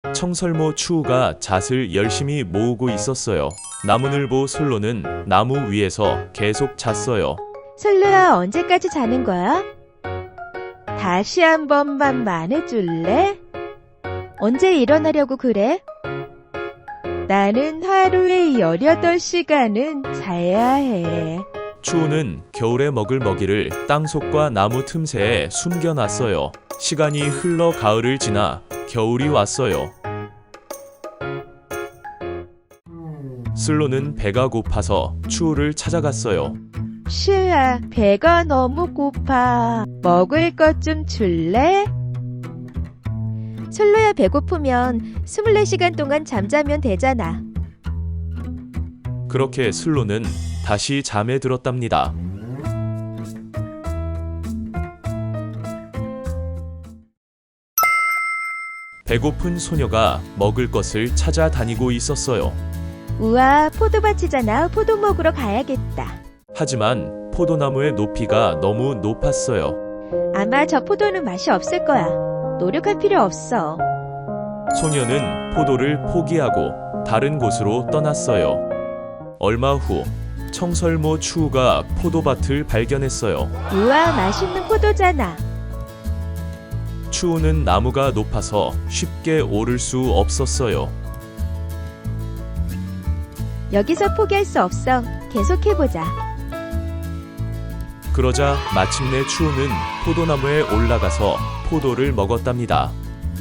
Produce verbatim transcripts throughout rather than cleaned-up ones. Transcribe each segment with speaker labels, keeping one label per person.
Speaker 1: 청설모 추우가 잣을 열심히 모으고 있었어요. 나무늘보 솔로는 나무 위에서 계속 잤어요.
Speaker 2: 솔로야, 언제까지 자는 거야? 다시 한 번만 말해줄래? 언제 일어나려고 그래? 나는 하루에 열여덟 시간은 자야 해.
Speaker 1: 추우는 겨울에 먹을 먹이를 땅속과 나무 틈새에 숨겨놨어요. 시간이 흘러 가을을 지나 겨울이 왔어요. 슬로는 배가 고파서 추우를 찾아갔어요.
Speaker 2: 슈야, 배가 너무 고파. 먹을 것 좀 줄래? 솔로야, 배고프면 스물네 시간 동안 잠자면 되잖아.
Speaker 1: 그렇게 슬로는 다시 잠에 들었답니다. 배고픈 소녀가 먹을 것을 찾아다니고 있었어요.
Speaker 2: 우와, 포도밭이잖아. 포도 먹으러 가야겠다.
Speaker 1: 하지만 포도나무의 높이가 너무 높았어요.
Speaker 2: 아마 저 포도는 맛이 없을 거야. 노력할 필요 없어.
Speaker 1: 소녀는 포도를 포기하고 다른 곳으로 떠났어요. 얼마 후 청설모 추우가 포도밭을 발견했어요.
Speaker 2: 우와, 맛있는 포도잖아.
Speaker 1: 추우는 나무가 높아서 쉽게 오를 수 없었어요.
Speaker 2: 여기서 포기할 수 없어. 계속해보자.
Speaker 1: 그러자 마침내 추우는 포도나무에 올라가서 포도를 먹었답니다.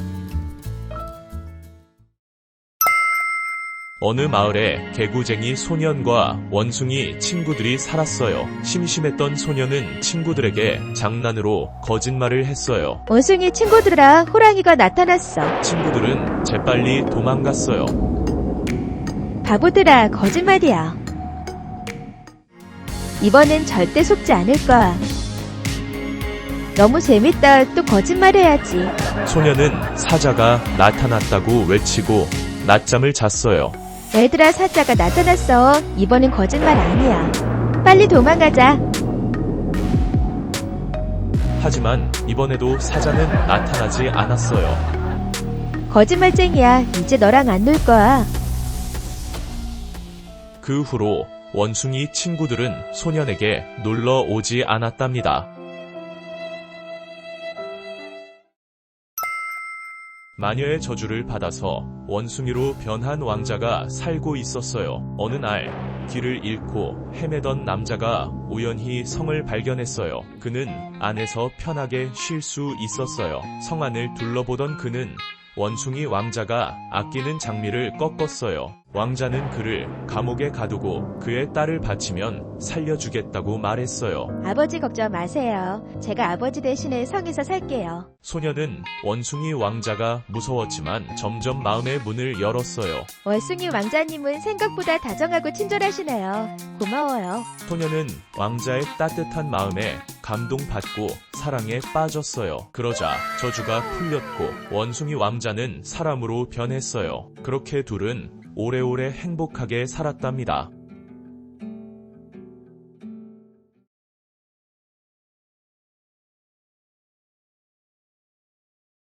Speaker 1: 어느 마을에 개구쟁이 소년과 원숭이 친구들이 살았어요. 심심했던 소년은 친구들에게 장난으로 거짓말을 했어요.
Speaker 2: 원숭이 친구들아, 호랑이가 나타났어.
Speaker 1: 친구들은 재빨리 도망갔어요.
Speaker 2: 바보들아, 거짓말이야. 이번엔 절대 속지 않을 거야. 너무 재밌다. 또 거짓말해야지.
Speaker 1: 소년은 사자가 나타났다고 외치고 낮잠을 잤어요.
Speaker 2: 얘들아, 사자가 나타났어. 이번엔 거짓말 아니야. 빨리 도망가자.
Speaker 1: 하지만 이번에도 사자는 나타나지 않았어요.
Speaker 2: 거짓말쟁이야. 이제 너랑 안 놀 거야.
Speaker 1: 그 후로 원숭이 친구들은 소년에게 놀러 오지 않았답니다. 마녀의 저주를 받아서 원숭이로 변한 왕자가 살고 있었어요. 어느 날 길을 잃고 헤매던 남자가 우연히 성을 발견했어요. 그는 안에서 편하게 쉴 수 있었어요. 성 안을 둘러보던 그는 원숭이 왕자가 아끼는 장미를 꺾었어요. 왕자는 그를 감옥에 가두고 그의 딸을 바치면 살려주겠다고 말했어요.
Speaker 2: 아버지 걱정 마세요. 제가 아버지 대신에 성에서 살게요.
Speaker 1: 소녀는 원숭이 왕자가 무서웠지만 점점 마음의 문을 열었어요.
Speaker 2: 원숭이 왕자님은 생각보다 다정하고 친절하시네요. 고마워요.
Speaker 1: 소녀는 왕자의 따뜻한 마음에 감동받고 사랑에 빠졌어요. 그러자 저주가 풀렸고 원숭이 왕자는 사람으로 변했어요. 그렇게 둘은 오래오래 행복하게 살았답니다.